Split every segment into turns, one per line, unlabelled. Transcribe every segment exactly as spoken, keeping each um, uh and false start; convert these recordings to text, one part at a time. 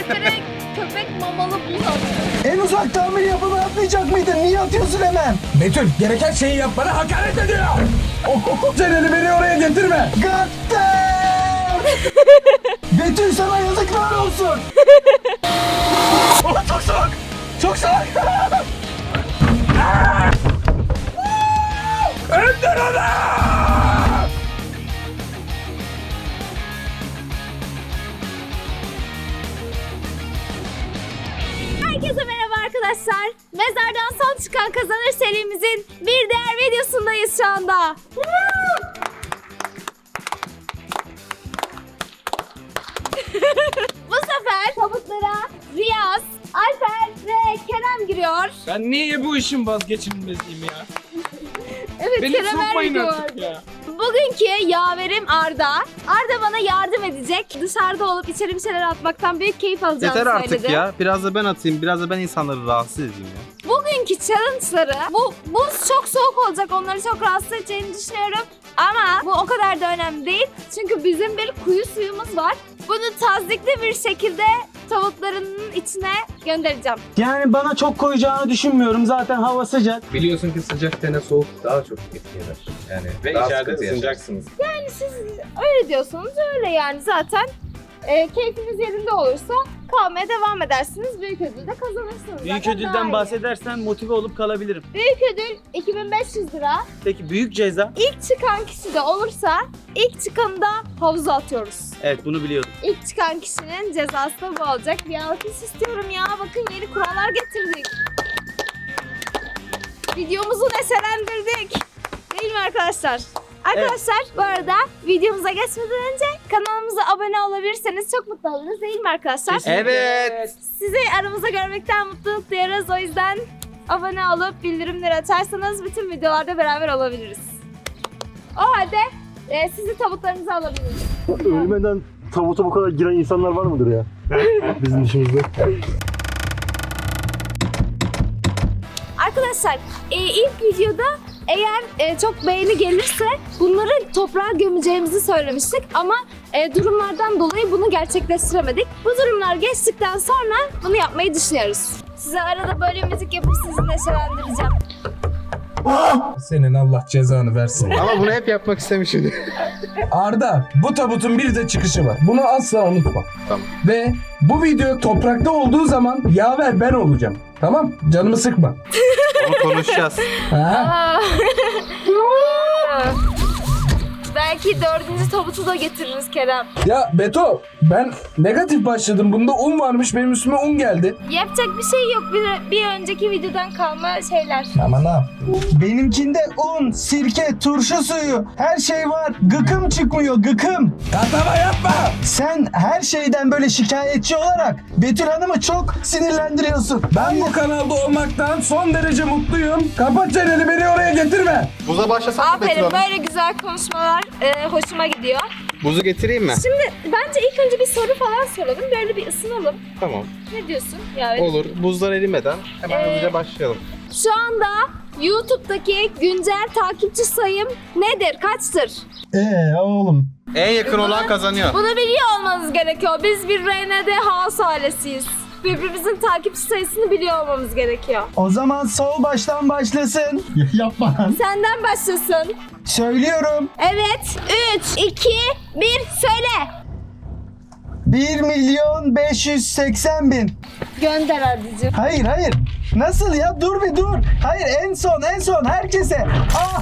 Direkt köpek mamalı buz atıyor.
En uzak tahmin yapımı atmayacak mıydın? Niye atıyorsun hemen?
Betül gereken şeyi yap, bana hakaret ediyor. Celal'i beni oraya getirme.
Gaddar! Betül sana yazıklar olsun.
Oh, çok soğuk. Çok soğuk. Öldür onu.
Herkese merhaba arkadaşlar. Mezardan son çıkan kazanır serimizin bir diğer videosundayız şu anda. Bu sefer tavuklara Riyaz, Alper ve Kerem giriyor.
Ben niye bu işin vazgeçilmeziyim ya?
Evet,
Beni
Kerem her
sokmayın
video
artık
vardı.
ya.
Bugünkü yaverim Arda. Arda bana yardım edecek. Dışarıda olup içeri bir şeyler atmaktan büyük keyif alacağını
Yeter artık
söyledi.
ya. Biraz da ben atayım. Biraz da ben insanları rahatsız edeyim ya.
Bugünkü challenge'ları, bu buz çok soğuk olacak, onları çok rahatsız edeceğini düşünüyorum. Ama bu o kadar da önemli değil. Çünkü bizim bir kuyu suyumuz var. Bunu tazdikli bir şekilde tavuklarının içine göndereceğim.
Yani bana çok koyacağını düşünmüyorum. Zaten hava sıcak.
Biliyorsun ki sıcak tene soğuk daha çok etki eder. Yani
Ve
daha
içeride
sıkıntı
ısınacaksınız.
Yani siz öyle diyorsanız öyle yani zaten. E, keyfiniz yerinde olursa kalmaya devam edersiniz. Büyük ödül de kazanırsınız.
Büyük
Zaten daha
ödülden
iyi.
bahsedersen motive olup kalabilirim.
Büyük ödül iki bin beş yüz lira.
Peki büyük ceza?
İlk çıkan kişi de olursa ilk çıkanı da havuza atıyoruz.
Evet, bunu biliyordum.
İlk çıkan kişinin cezası da bu olacak. Bir alkış istiyorum ya. Bakın yeni kurallar getirdik. Videomuzu neşelendirdik. Değil mi arkadaşlar? Arkadaşlar bu arada videomuza geçmeden önce kanalımıza abone olabilirseniz çok mutlu oluruz, değil mi arkadaşlar?
Evet.
Sizi aramızda görmekten mutluluk duyarız. O yüzden abone olup bildirimleri açarsanız bütün videolarda beraber olabiliriz. O halde e, sizi tavuklarınızı alabiliriz.
Ölmeden tabuta bu kadar giren insanlar var mıdır ya? Bizim işimizde.
Arkadaşlar e, ilk videoda eğer e, çok beğeni gelirse bunları toprağa gömeceğimizi söylemiştik ama e, durumlardan dolayı bunu gerçekleştiremedik. Bu durumlar geçtikten sonra bunu yapmayı düşünüyoruz. Size arada böyle müzik yapıp sizi neşelendireceğim.
Senin Allah cezanı versin.
Ama bunu hep yapmak istemişim.
Arda, bu tabutun bir de çıkışı var. Bunu asla unutma.
Tamam.
Ve bu video toprakta olduğu zaman yaver ben olacağım. Tamam? Canımı sıkma.
Onu konuşacağız.
Ha?
Belki dördüncü tabutu da getiririz Kerem.
Ya Beto, ben negatif başladım. Bunda un varmış, benim üstüme un geldi.
Yapacak bir şey yok. Bir, bir önceki videodan kalma şeyler.
Ama ne yaptın?
Benimkinde un, sirke, turşu suyu, her şey var. Gıkım çıkmıyor, gıkım.
Tatava yapma!
Sen her şeyden böyle şikayetçi olarak Betül Hanım'ı çok sinirlendiriyorsun.
Ben bu kanalda olmaktan son derece mutluyum. Kapat çeneni, beni oraya getirme.
Buza başlasak mı Betül
Aferin,
Hanım?
böyle güzel konuşmalar e, hoşuma gidiyor.
Buzu getireyim mi?
Şimdi bence ilk önce bir soru falan soralım. Böyle bir ısınalım.
Tamam.
Ne diyorsun? Yani
Olur. Buzlar erimeden hemen
Ee,
hızlıca başlayalım.
şu anda YouTube'daki güncel takipçi sayım nedir? Kaçtır?
Ee oğlum.
En yakın olan kazanıyor.
Bunu biliyor olmanız gerekiyor. Biz bir R N D House ailesiyiz. Birbirimizin takipçi sayısını biliyor olmamız gerekiyor.
O zaman sol baştan başlasın. Yapma.
Senden başlasın.
Söylüyorum.
Evet. üç, iki, bir söyle.
bir milyon beş yüz seksen bin.
Gönder Ardacığım.
Hayır hayır. Nasıl ya? Dur bir dur. Hayır en son en son herkese. Ah.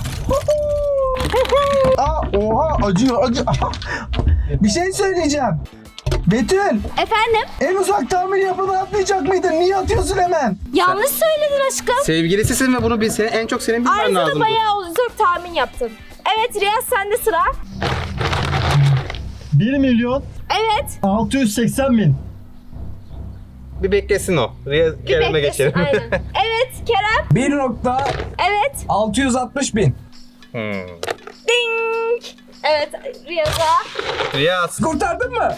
Aa, oha acıyor acıyor. Bir şey söyleyeceğim. Betül,
Efendim?
en uzak tahmin yapımı atmayacak mıydın? Niye atıyorsun hemen?
Yanlış söyledin aşkım.
Sevgilisisin ve bunu bil, senin, en çok senin bilmen
Ayrıca da
lazım.
bayağı uzun tahmin yaptın. Evet Riyaz, sende sıra.
bir milyon
Evet.
altı yüz seksen bin.
Bir beklesin o. Riya
Bir
Kerem'e
beklesin,
geçelim.
aynen. Evet Kerem.
bir nokta
Evet.
altı yüz altmış bin.
hmm.
Ding. Evet Riyaz'a.
Riyaz.
Kurtardın mı?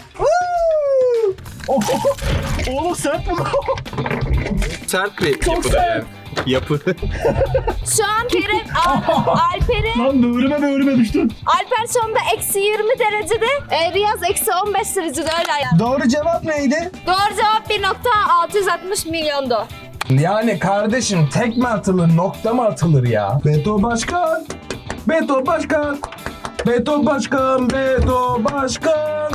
Oğlum sen mi?
Sert bir
Çok
yapıda
sert.
yani. Yapı.
Şu an Kerem, Al- Alper'e,
Lan böğrüme böğrüme düştün.
Alper şu anda eksi yirmi derecede, e, Riyaz eksi on beş derecede öyle ayar.
Doğru cevap neydi?
Doğru cevap bir nokta altı yüz altmış milyondu.
Yani kardeşim tek mi atılır, nokta mı atılır ya? Beto Başkan, Beto Başkan, Beto Başkan, Beto Başkan.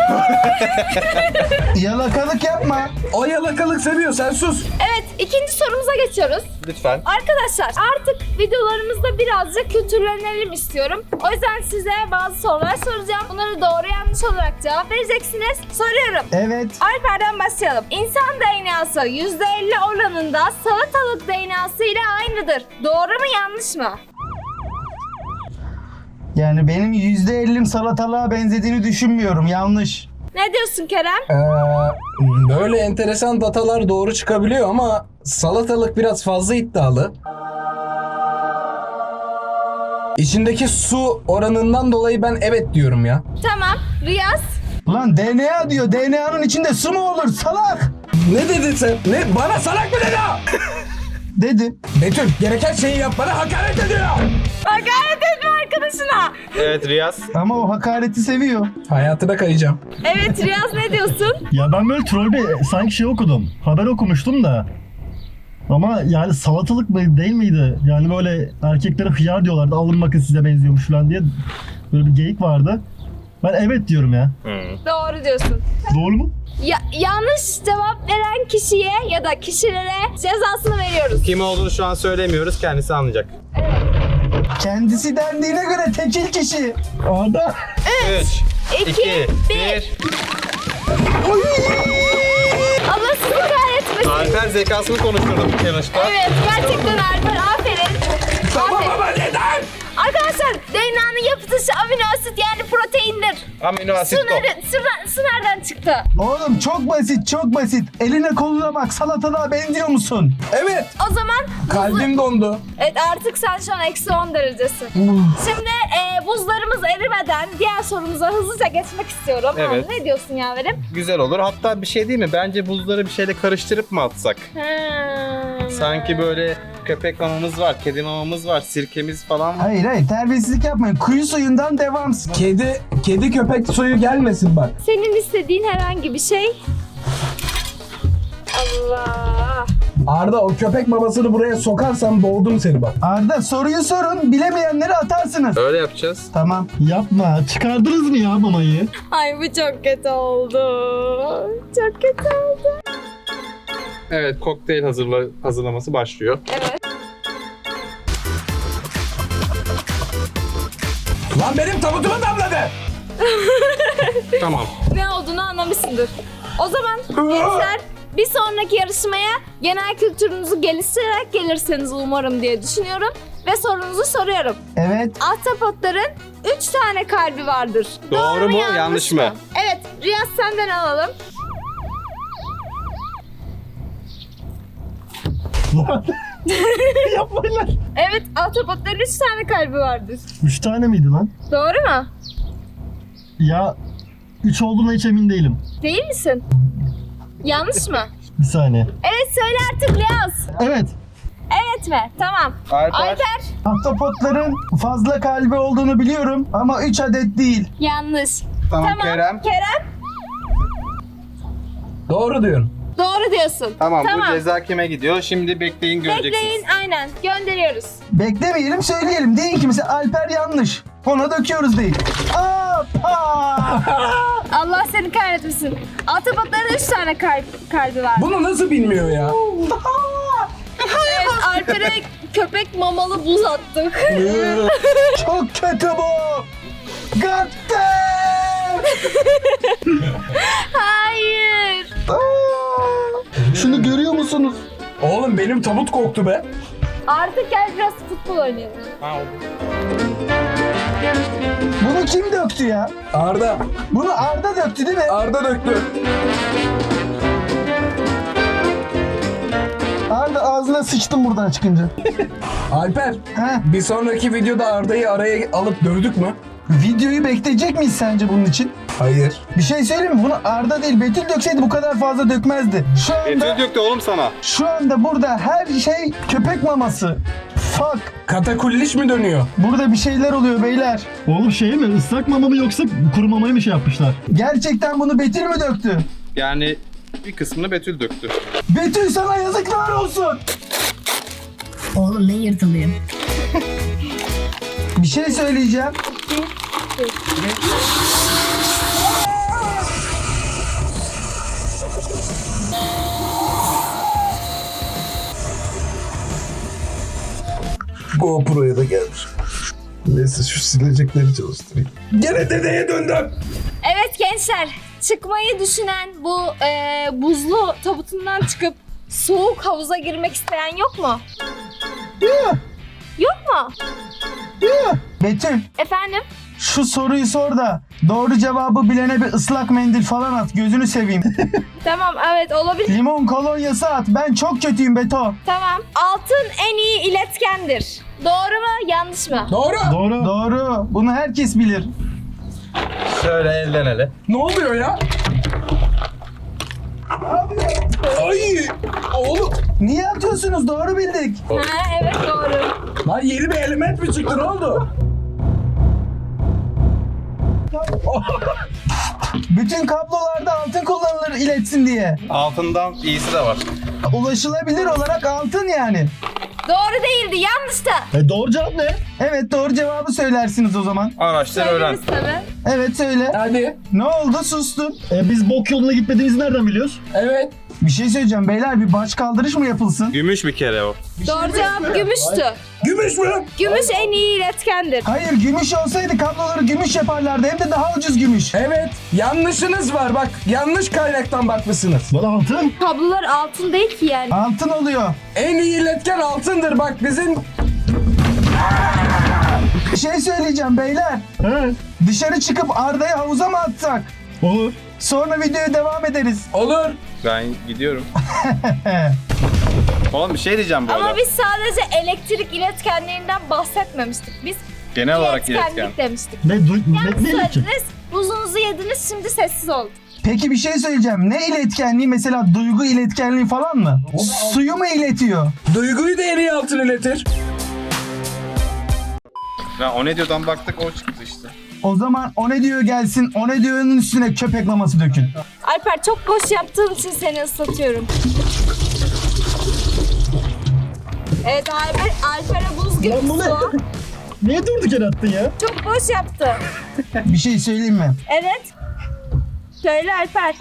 Yalakalık yapma.
O yalakalık seviyor, sen sus.
Evet, ikinci sorumuza geçiyoruz.
Lütfen.
Arkadaşlar artık videolarımızda birazcık kültürlenelim istiyorum. O yüzden size bazı sorular soracağım. Bunları doğru yanlış olarak cevap vereceksiniz. Soruyorum.
Evet.
Alper'den başlayalım. İnsan D N A'sı yüzde elli oranında salatalık D N A'sı ile aynıdır. Doğru mu yanlış mı?
Yani benim yüzde ellim salatalığa benzediğini düşünmüyorum. Yanlış.
Ne diyorsun Kerem?
Ee, böyle enteresan datalar doğru çıkabiliyor ama salatalık biraz fazla iddialı. İçindeki su oranından dolayı ben evet diyorum ya.
Tamam. Riyaz?
Lan D N A diyor. D N A'nın içinde su mu olur salak?
Ne dedin sen? Ne? Bana salak mı dedi o?
Dedim.
Betül gereken şeyi yap, bana hakaret ediyor.
Hakaret etme arkadaşına.
Evet Riyaz.
Ama o hakareti seviyor.
Hayatına kayacağım.
Evet Riyaz ne diyorsun?
Ya ben böyle troll bir sanki şey okudum. Haber okumuştum da. Ama yani salatalık mı değil miydi? Yani böyle erkeklere hıyar diyorlardı. Alın bakın size benziyormuş falan diye. Böyle bir geyik vardı. Ben evet diyorum ya.
Doğru diyorsun.
Doğru mu?
Ya, yanlış cevap veren kişiye ya da kişilere cezasını veriyoruz.
Kim olduğunu şu an söylemiyoruz. Kendisi anlayacak.
Kendisi dendiğine göre tekil kişi.
Arda.
üç,
iki,
iki,
bir.
bir.
Allah sizi kahretmesin.
Alper zekasını konuşturdum yanlışta.
Evet gerçekten Alper aferin.
Tamam
Aferin.
ama neden?
Arkadaşlar D N A'nın yapı taşı amino asit yani proteindir.
Amino
Su,
asit o.
nere- su, ne- su nereden çıktı?
Oğlum çok basit çok basit. Eline koluna bak salatalığa benziyor musun?
Evet.
O zaman
Kalbim dondu.
evet artık sen şu an eksi on derecesin. Şimdi e, buzlarımız erimeden diğer sorumuza hızlıca geçmek istiyorum.
Evet.
Ha, ne diyorsun yaverim?
Güzel olur. Hatta bir şey değil mi? Bence buzları bir şeyle karıştırıp mı atsak?
Hmm.
Sanki böyle köpek mamamız var, kedi mamamız var, sirkemiz falan var.
Hayır hayır terbiyesizlik yapmayın. Kuyu suyundan devam.
Kedi, kedi köpek suyu gelmesin bak.
Senin istediğin herhangi bir şey. Allah.
Arda o köpek mamasını buraya sokarsam boğdum seni bak.
Arda soruyu sorun. Bilemeyenleri atarsınız.
Öyle yapacağız.
Tamam.
Yapma. Çıkardınız mı ya mamayı?
Ay bu çok kötü oldu. Çok kötü oldu.
Evet, kokteyl hazırla hazırlaması başlıyor.
Evet.
Lan benim tabutuma damladı.
Tamam.
Ne olduğunu anlamışsındır. O zaman gençler bir sonraki yarışmaya genel kültürünüzü geliştirerek gelirseniz umarım diye düşünüyorum. Ve sorunuzu soruyorum.
Evet.
Ahtapotların üç tane kalbi vardır.
Doğru mu, yanlış mı?
Evet, Riyaz senden alalım.
Yapmayın lan.
Evet, ahtapotların üç tane kalbi vardır.
Üç tane miydi lan?
Doğru mu?
Ya üç olduğuna hiç emin değilim.
Değil misin? Yanlış mı?
Bir saniye.
Evet, söyle artık Riyaz.
Evet.
Evet mi? Tamam.
Alper.
Alper.
Ahtapotların fazla kalbi olduğunu biliyorum ama üç adet değil.
Yanlış.
Tamam,
Tamam.
Kerem.
Kerem.
Doğru diyorsun.
Doğru diyorsun.
Tamam, bu ceza kime gidiyor? Şimdi bekleyin, göreceksiniz.
Bekleyin, aynen. Gönderiyoruz.
Beklemeyelim söyleyelim. Deyin ki mesela Alper yanlış. Ona döküyoruz deyin. Apa!
Allah seni kahretmesin. Ahtapotların üç tane kalp, kalbi var.
Bunu nasıl bilmiyor ya?
Evet, Alper'e köpek mamalı buz attık.
Çok kötü bu. God damn!
Hayır.
Aa! Şunu görüyor musunuz?
Oğlum benim tabut koktu be.
Artık gel biraz futbol oynayalım.
Ha, oldu.
Bunu kim döktü ya?
Arda.
Bunu Arda döktü değil mi?
Arda döktü.
Arda ağzına sıçtım buradan çıkınca.
Alper.
He?
Bir sonraki videoda Arda'yı araya alıp dövdük mü?
Videoyu bekleyecek miyiz sence bunun için?
Hayır.
Bir şey söyleyeyim mi? Bunu Arda değil Betül dökseydi bu kadar fazla dökmezdi. Şu anda,
Betül döktü oğlum sana.
şu anda burada her şey köpek maması. Fuck.
Katakulliş mi dönüyor?
Burada bir şeyler oluyor beyler.
Oğlum şey mi? Islak mama mı yoksa kuru mamayı mı şey yapmışlar?
Gerçekten bunu Betül mü döktü?
Yani bir kısmını Betül döktü.
Betül sana yazıklar olsun.
Oğlum ne yırtılıyor?
Bir şey söyleyeceğim.
GoPro'ya da gelmiş. Neyse şu silecekleri çalıştırayım. Gene dedeye döndüm.
Evet gençler, çıkmayı düşünen bu e, buzlu tabutundan çıkıp soğuk havuza girmek isteyen yok mu? Yok mu?
Betül
Efendim?
şu soruyu sor da doğru cevabı bilene bir ıslak mendil falan at gözünü seveyim.
Tamam, evet olabilir.
Limon kolonyası at. Ben çok kötüyüm Beto.
Tamam. Altın en iyi iletkendir. Doğru mu, yanlış mı?
Doğru.
Doğru.
Doğru. Bunu herkes bilir.
Şöyle elden ele.
Ne oluyor ya? Ay! Oğlum.
Niye atıyorsunuz? Doğru bildik.
Ha, evet doğru.
Lan yeni bir element mi çıktı? Ne oldu?
Bütün kablolarda altın kullanılır iletsin diye.
Altından iyisi de var.
Ulaşılabilir olarak altın yani.
Doğru değildi, yanlıştı.
E doğru cevap ne?
Evet doğru cevabı söylersiniz o zaman.
Araştır öğren.
Söyleriz tabii.
Evet söyle.
Hadi.
Ne oldu sustun?
E biz bok yoluna gitmediğimizi nereden biliyoruz?
Evet.
Bir şey söyleyeceğim beyler bir baş kaldırış mı yapılsın?
Gümüş bir kere o.
Doğru cevap gümüştü.
Gümüş mü?
Gümüş en iyi iletkendir.
Hayır gümüş olsaydı kabloları gümüş yaparlardı hem de daha ucuz gümüş.
Evet. Yanlışınız var bak. Yanlış kaynaktan bakmışsınız.
Lan altın.
Kablolar altın değil ki yani.
Altın oluyor.
En iyi iletken altındır bak bizim.
Bir şey söyleyeceğim beyler.
He.
Dışarı çıkıp Arda'yı havuza mı atsak?
Olur.
Sonra videoya devam ederiz.
Olur.
Ben gidiyorum. Oğlum bir şey diyeceğim bu arada.
Ama biz sadece elektrik iletkenlerinden bahsetmemiştik. Biz
Genel olarak iletken.
iletkenlik demiştik.
Ne, du- ne,
Yanlış
ne iletken?
söylediniz. Buzunuzu yediniz, şimdi sessiz olun.
Peki bir şey söyleyeceğim. Ne iletkenliği mesela duygu iletkenliği falan mı? Suyu mu iletiyor?
Duyguyu da en iyi altın iletir.
Ben o ne diyordan baktık o çıktı işte.
O zaman o ne diyor gelsin, o ne diyor'nun üstüne köpek maması dökün.
Alper çok boş yaptığın için seni ıslatıyorum. Evet Alper, Alper'e buz gibi
Lan bu ne?
su.
Niye durduk yere attın ya?
Çok boş yaptı.
Bir şey söyleyeyim mi?
Evet. Söyle Alper.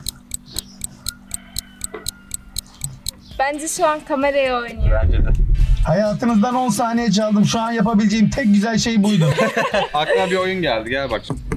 Bence şu an kameraya oynuyor.
Bence de.
Hayatınızdan on saniye çaldım. Şu an yapabileceğim tek güzel şey buydu.
Aklıma bir oyun geldi gel bak şimdi.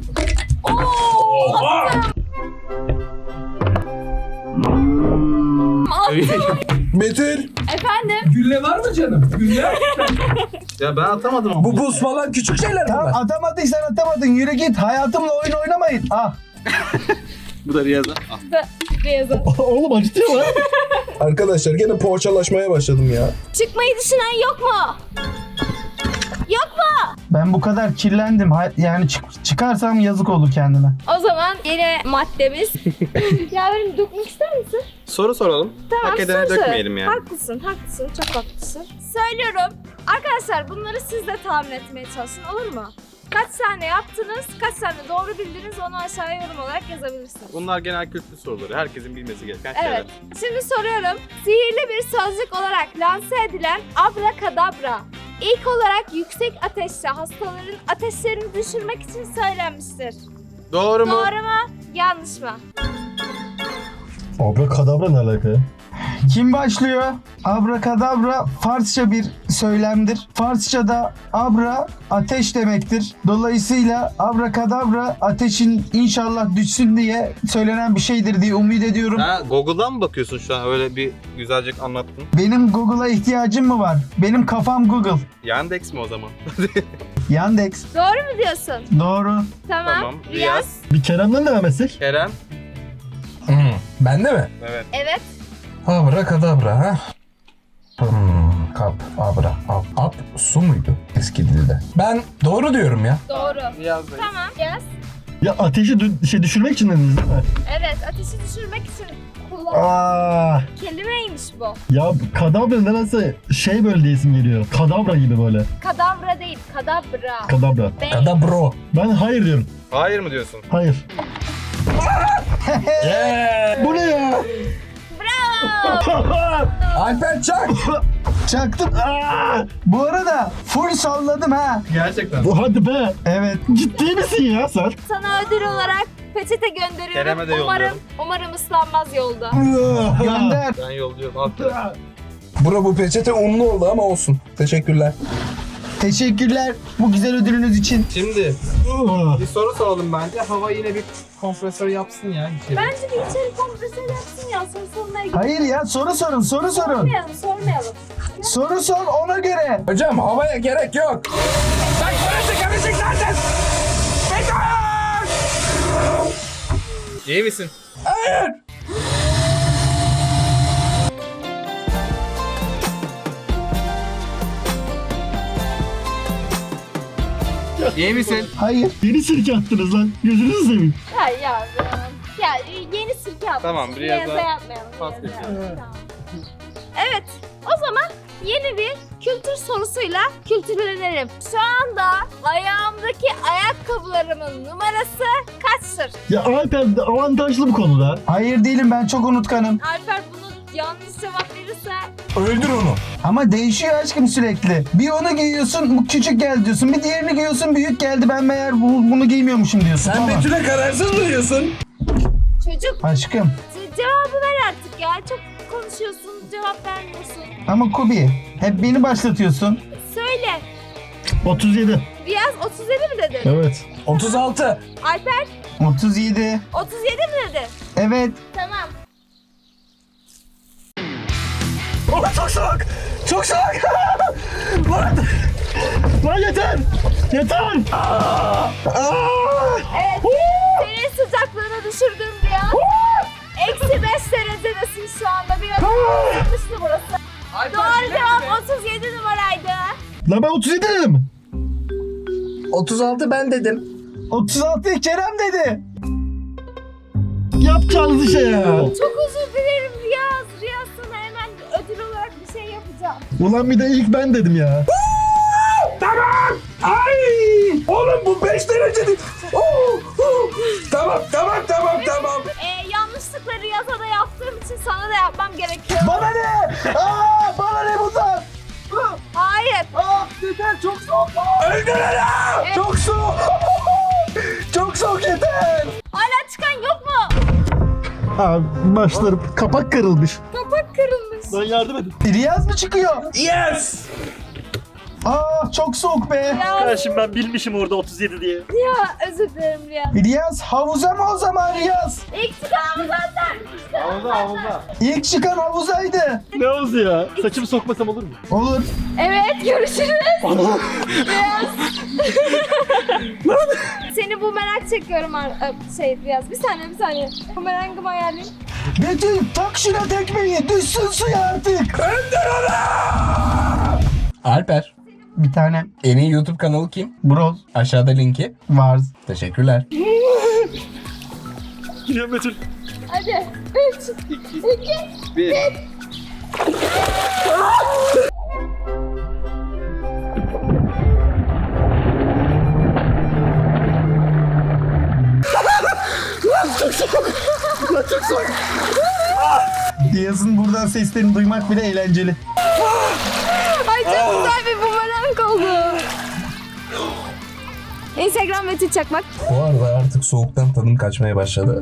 Betül.
Efendim?
Gülle var mı canım? Gülle.
Ya ben atamadım ama.
Bu buz falan küçük şeyler
Tamam
bunlar.
atamadıysan atamadın. Yürü git. Hayatımla oyun oynamayın. Ah.
Bu da Riyaz'a. Ah.
Riyaz'a.
Oğlum acıtıyor lan.
Arkadaşlar gene poğaçalaşmaya başladım ya.
Çıkmayı düşünen yok mu? Yok mu?
Ben bu kadar kirlendim. Ha- Yani çık- çıkarsam yazık olur kendime.
O zaman yine maddemiz. Yavrum dökmek ister misin?
Soru soralım.
Tamam,
Hak edene
soru sor.
dökmeyelim yani.
Haklısın, haklısın, çok haklısın. Söylüyorum. Arkadaşlar bunları siz de tahmin etmeye çalışın, olur mu? Kaç tane yaptınız, kaç tane doğru bildiniz onu aşağıya yorum olarak yazabilirsiniz.
Bunlar genel kültür soruları. Herkesin bilmesi gereken
Evet.
şeyler.
Şimdi soruyorum. Sihirli bir sözcük olarak lanse edilen abrakadabra ilk olarak yüksek ateşte hastaların ateşlerini düşürmek için söylenmiştir.
Doğru mu?
Doğru mu? Yanlış mı?
Abrakadabra ne alaka ya?
Kim başlıyor? Abrakadabra Farsça bir söylemdir. Farsça'da abra ateş demektir. Dolayısıyla abrakadabra ateşin inşallah düşsün diye söylenen bir şeydir diye umut ediyorum.
Ha, Google'dan mı bakıyorsun şu an? Öyle bir güzelce anlattın.
Benim Google'a ihtiyacım mı var? Benim kafam Google.
Yandex mi o zaman?
Yandex.
Doğru mu diyorsun?
Doğru.
Tamam.
Tamam.
Riyaz.
Riyaz.
Bir Kerem'den devam etsek.
Kerem.
Hmm. Bende mi?
Evet.
Evet.
Abra kadabra ha. Hmm, kap, abra, ab, ab, su muydu eski dilde? Ben doğru diyorum ya.
Doğru.
Riyaz'dayız.
Tamam. Yaz.
Ya ateşi dü- şey düşürmek için dediniz değil mi?
Evet, ateşi düşürmek için kullanılan
Aa,
kelimeymiş bu.
ya kadabra nedense şey böyle diyesim geliyor. Kadabra gibi böyle.
Kadavra değil, kadabra.
Kadabra.
Bey.
Kada bro.
Ben hayır diyorum.
Hayır mı diyorsun?
Hayır. Bu ne ya?
Bravo.
Alper çak.
Çaktım. Aa! Bu arada full salladım ha.
Gerçekten.
Bu hadi be.
Evet.
Ciddi misin ya sen?
Sana ödül olarak peçete gönderiyorum.
Kerem'e de
umarım,
yolluyorum.
umarım ıslanmaz yolda.
Gönder.
Ben yolluyorum. Hatta.
Bro bu peçete unlu oldu ama olsun. Teşekkürler.
Teşekkürler bu güzel ödülünüz için.
Şimdi bir soru soralım bence. Hava yine bir kompresör yapsın ya. içeri.
Bence bir içeri kompresör yapsın ya. Soru sormaya gidelim.
Hayır ya soru sorun soru sorun.
Sormayalım, sormayalım.
Soru sor ona göre.
Hocam havaya gerek yok. Bak burası karışık zaten.
İyi misin?
Hayır.
İyi misin?
Hayır.
Yeni sirke attınız lan. Gözünüzü seveyim.
Ya ya. Ya yeni sirke yapmış.
Tamam, biraz
Beyaza
daha
yapmayalım.
pas
beyaza
geçelim.
yapmayalım. Tamam. Evet. O zaman yeni bir kültür sorusuyla kültürlenelim. Şu anda ayağımdaki ayakkabılarımın numarası kaçtır?
Ya Alper de avantajlı bu konuda.
Hayır değilim ben çok unutkanım.
Alper bunu yanlış cevap verirse
Öldür onu.
Ama değişiyor aşkım sürekli. Bir onu giyiyorsun bu küçük geldi diyorsun. Bir diğerini giyiyorsun büyük geldi ben meğer bu- bunu giymiyormuşum diyorsun.
Sen
Tamam.
Betül'e kararsız mı diyorsun?
çocuk
Aşkım.
ce- cevabı ver artık ya. Çok konuşuyorsun, cevap vermiyorsun.
Ama Kubi hep beni başlatıyorsun.
Söyle.
otuz yedi.
Riyaz otuz yedi mi dedin?
Evet.
otuz altı.
Alper
otuz yedi.
otuz yedi mi dedi?
Evet.
Tamam.
Oh, çok soğuk. Çok soğuk. Lan. Lan yeter. Yeter. Aa. Aa.
Evet. Senin sıcaklığını düşürdüm Riyaz. Eksi beş derecedesin şu anda. Biraz ısınmıştı burası. Doğru cevap otuz yedi numaraydı.
Lan ben otuz yedi dedim.
otuz altı ben dedim.
otuz altı Kerem dedi.
Yapacağınız işe ya.
Çok özür dilerim Riyaz. Riyaz sana hemen ödül olarak bir şey yapacağım.
Ulan bir de ilk ben dedim ya.
Tamam. Ay! Oğlum bu beş derece değil. Oo, oo. Tamam tamam tamam tamam.
Ee, yanlışlıkla Riyaz'a da yaptığım için sana da yapmam gerekiyor.
Bana ne? Aa, bana ne bundan?
Hayır.
Aa, yeter çok soğuk.
Öldür onu.
Evet.
Çok soğuk. Çok soğuk yeter.
Hala çıkan yok mu?
Abi başlarım. Kapak kırılmış.
Kapak kırılmış.
Lan yardım edin.
Riyaz mı çıkıyor?
Yes.
Aa, çok soğuk be.
Riyaz.
Şimdi ben bilmişim orada otuz yedi diye.
Ya özür dilerim Riyaz.
Riyaz havuza mı o zaman Riyaz?
İlk çıkan zaten.
Havuza havuza.
İlk çıkan havuzaydı.
Ne oldu ya? Saçımı sokmasam olur mu?
Olur.
Evet görüşürüz. Riyaz. Seni bu merak çekiyorum ar- ö, şey Riyaz. Bir saniye bir saniye. Bu merakımı ayarlayayım.
Betül tak şuna tekmeyi düşsün suya artık.
Öldür onu. Alper.
Bir tane
En iyi YouTube kanalı kim?
broz
Aşağıda linki.
var.
Teşekkürler.
Gidiyorum Betül.
Hadi. Üç. iki.
Bir.
Riyaz'ın buradan seslerini duymak bile eğlenceli.
Ay çok güzel bir bumerang oldu. Instagram Betül Çakmak.
Bu arada artık soğuktan tadım kaçmaya başladı.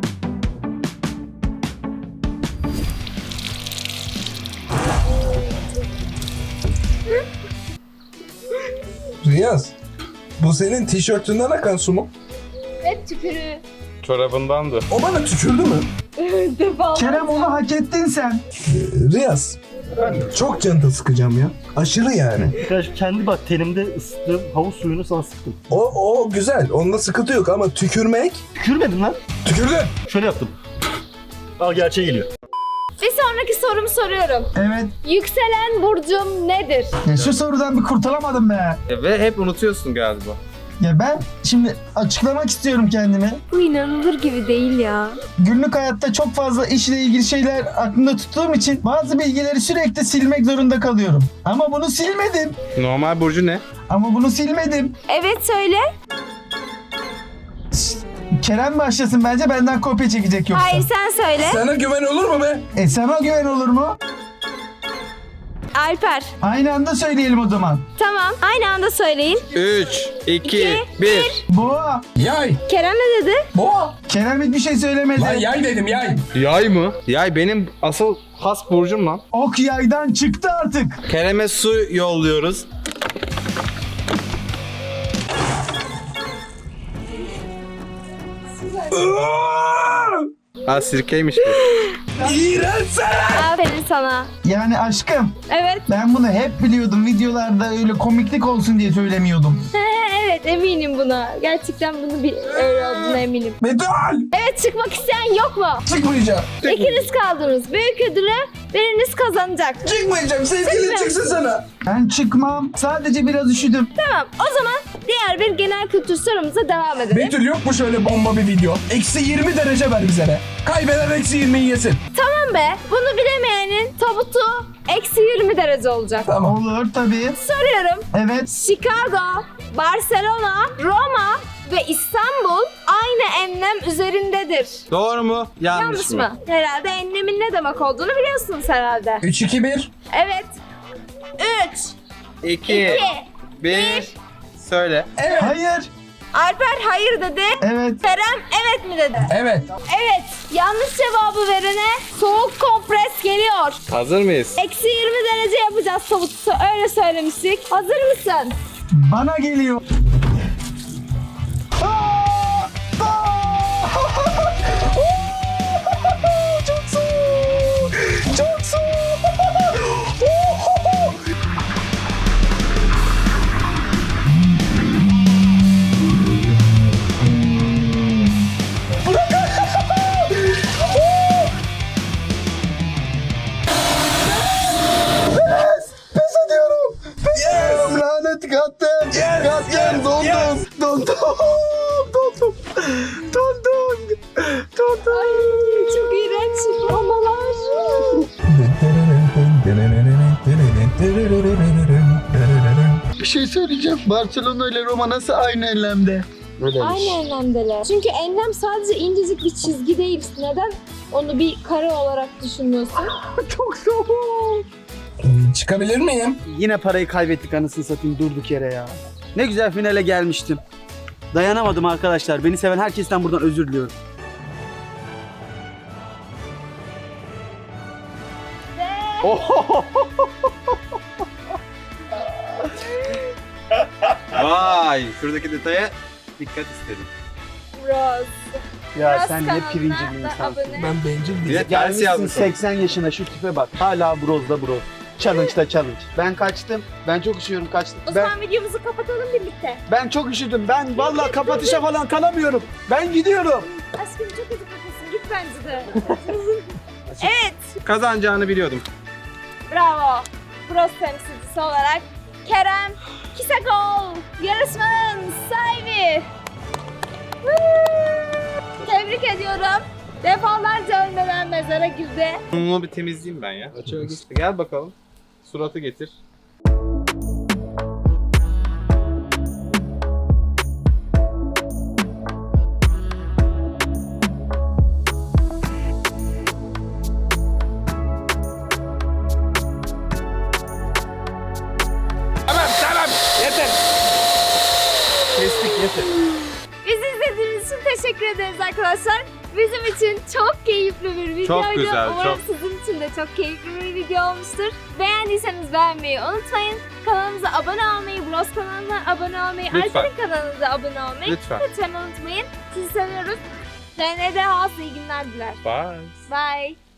Riyaz, bu senin tişörtünden akan su mu?
Hep tükürüğü.
Çorabındandı.
O bana tükürdü mü?
Defa.
Kerem onu hak ettin sen.
Riyaz, çok canta sıkacağım ya. Aşırı yani.
Arkadaş kendi bak tenimde ısıttığım havuz suyunu sana sıktım.
O, o güzel, onda sıkıntı yok ama tükürmek...
Tükürmedin lan.
Tükürdün!
Şöyle yaptım. Al gerçeğe geliyor.
Bir sonraki sorumu soruyorum.
Evet.
Yükselen burcum nedir?
Ya şu sorudan bir kurtulamadım be.
E, Ve hep unutuyorsun galiba.
Ya ben şimdi açıklamak istiyorum kendimi.
Bu inanılır gibi değil ya.
Günlük hayatta çok fazla işle ilgili şeyler aklımda tuttuğum için bazı bilgileri sürekli silmek zorunda kalıyorum. Ama bunu silmedim.
Normal burcu ne?
Ama bunu silmedim.
Evet söyle.
Kerem başlasın bence, benden kopya çekecek yoksa.
Hayır sen söyle.
Sana güven olur mu be?
E sana güven olur mu?
Alper.
Aynı anda söyleyelim o zaman.
Tamam. Aynı anda söyleyin.
üç, iki,
İki,
bir.
Boğa.
Yay.
Kerem ne dedi?
Boğa.
Kerem hiçbir şey söylemedi.
Lan yay dedim yay.
Yay mı? Yay benim asıl has burcum lan.
Ok yaydan çıktı artık.
Kerem'e su yolluyoruz. Aa sirkeymiş bu.
İğrenç sen.
Aferin sana.
Yani aşkım,
Evet.
ben bunu hep biliyordum. Videolarda öyle komiklik olsun diye söylemiyordum.
evet eminim buna. Gerçekten bunu bir öyle olduğuna eminim.
Betül.
Evet çıkmak isteyen yok mu?
Çıkmayacağım.
İkiniz kaldınız. Büyük ödülü biriniz kazanacak.
Çıkmayacağım. Sevgilin çıksın sana.
Ben çıkmam. Sadece biraz üşüdüm.
Tamam o zaman diğer bir genel kültür sorumuza devam edelim.
Betül yok mu şöyle bomba bir video? Eksi yirmi derece ver bize be. Kaybeden eksi yirmiyi yesin.
Tamam be. Bunu bilemeyenin tabutu eksi yirmi derece olacak.
Tamam.
Olur tabii.
Soruyorum.
Evet.
Chicago, Barcelona, Roma ve İstanbul aynı enlem üzerindedir.
Doğru mu? Yanlış,
Yanlış
mı?
mı? Herhalde enlemin ne demek olduğunu biliyorsunuz herhalde.
üç iki bir.
Evet. üç,
iki,
iki,
bir. Söyle.
Evet.
Hayır.
Alper hayır dedi.
Evet.
Kerem evet mi dedi?
Evet.
Evet. Yanlış cevabı verene soğuk kompres geliyor.
Hazır mıyız?
Eksi yirmi derece yapacağız tabutu. Öyle söylemiştik. Hazır mısın?
Bana geliyor. Aa! Aa! Çok soğuk. Çok soğuk. Pes ediyorum. Pes ediyorum. Lanet kattım.
Yes,
Kattım.
yes,
Dondum.
yes.
Dondum. Dondum. Dondum. Dondum.
Çok iğrenç romalar.
Bir şey söyleyeceğim. Barcelona ile Roma nasıl aynı enlemde?
Aynı enlemdeler. Çünkü enlem sadece incecik bir çizgi değil. Neden onu bir kare olarak düşünüyorsun?
Çok soğuk.
Çıkabilir miyim?
Yine parayı kaybettik anasını satayım durduk yere ya. Ne güzel finale gelmiştim. Dayanamadım arkadaşlar. Beni seven herkesten buradan özür diliyorum.
Vay, şuradaki detaya dikkat istedim.
Rose.
Ya
Rose
sen ne
kanalına
pirinci bir
da
insansın.
abone.
Ben bencil
Bir
değilim.
de ters
Gelmişsin
yazmışsın.
seksen yaşına şu tipe bak. Hala brozda broz. Challenge'da challenge. Ben kaçtım. Ben çok üşüyorum kaçtım.
O
Ben,
zaman videomuzu kapatalım birlikte.
ben çok üşüdüm. Ben vallahi kapatışa falan kalamıyorum. Ben gidiyorum.
Aşkım çok kötü kafasın. Git bence de. evet.
Kazanacağını biliyordum.
Bravo. Bros temsilcisi olarak Kerem Kisakol yarışmanın sahibi. Woo! Tebrik ediyorum. Defalarca ölmeden mezara girdi.
Bunu bir temizleyeyim ben ya. Açığa geçti. Gel bakalım. Suratı getir.
Tamam tamam yeter.
Kestik yeter.
Bizi izlediğiniz için teşekkür ederiz arkadaşlar. Bizim için çok keyifli bir videoydu.
Çok güzel,
Umarım
çok.
sizin için de çok keyifli bir video olmuştur. Beğendiyseniz beğenmeyi unutmayın. Kanalımıza abone olmayı, Bros kanalına abone olmayı,
Lütfen.
Alper'in kanalına da abone olmayı
Lütfen.
lütfen unutmayın. Sizi seviyoruz. D N D House iyi günler diler.
Bye.
Bye.